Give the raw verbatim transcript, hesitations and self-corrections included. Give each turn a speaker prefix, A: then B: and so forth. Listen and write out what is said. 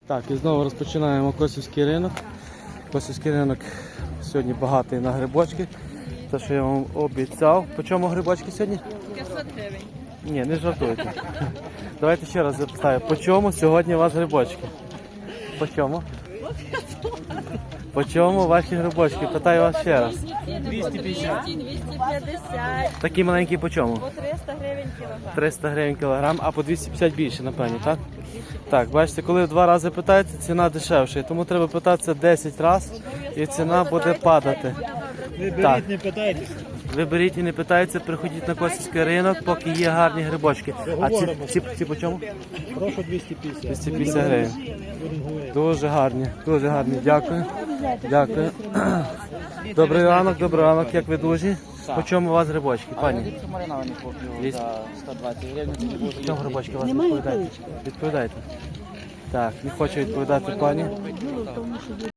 A: Так, і знову розпочинаємо Косівський ринок. Косівський ринок сьогодні багатий на грибочки. Те, що я вам обіцяв. По чому грибочки сьогодні?
B: п'ятсот гривень.
A: Ні, не жартуйте. Давайте ще раз запитаю. По чому сьогодні у вас грибочки? По чому? По чому ваші грибочки? Питаю вас ще раз.
B: двісті п'ятдесят. двісті п'ятдесят.
A: Такі маленькі по чому?
B: По триста гривень кілограм.
A: триста гривень кілограм, а по двісті п'ятдесят більше, напевно, так? Так, бачите, коли в два рази питаєте, ціна дешевша. Тому треба питатися десять разів і ціна буде падати.
C: Ви
A: Так.
C: беріть, не питайтеся.
A: Ви беріть і не питайте, приходіть на Косівський ринок, поки є гарні грибочки. А ці, ці, ці по чому?
C: Прошу двісті п'ятдесят.
A: двісті п'ятдесят гривень.
C: Будемо говорити.
A: Дуже гарні, дуже гарні. Дякую. Дякую. Добрий ранок, добрий ранок, як ви дуже? По чому у вас грибочки, пані?
D: Мариновані куплю
A: Двісті.
D: за сто двадцять гривень.
A: По чому грибочки у вас відповідаєте? Відповідайте. Так, не хочу відповідати пані.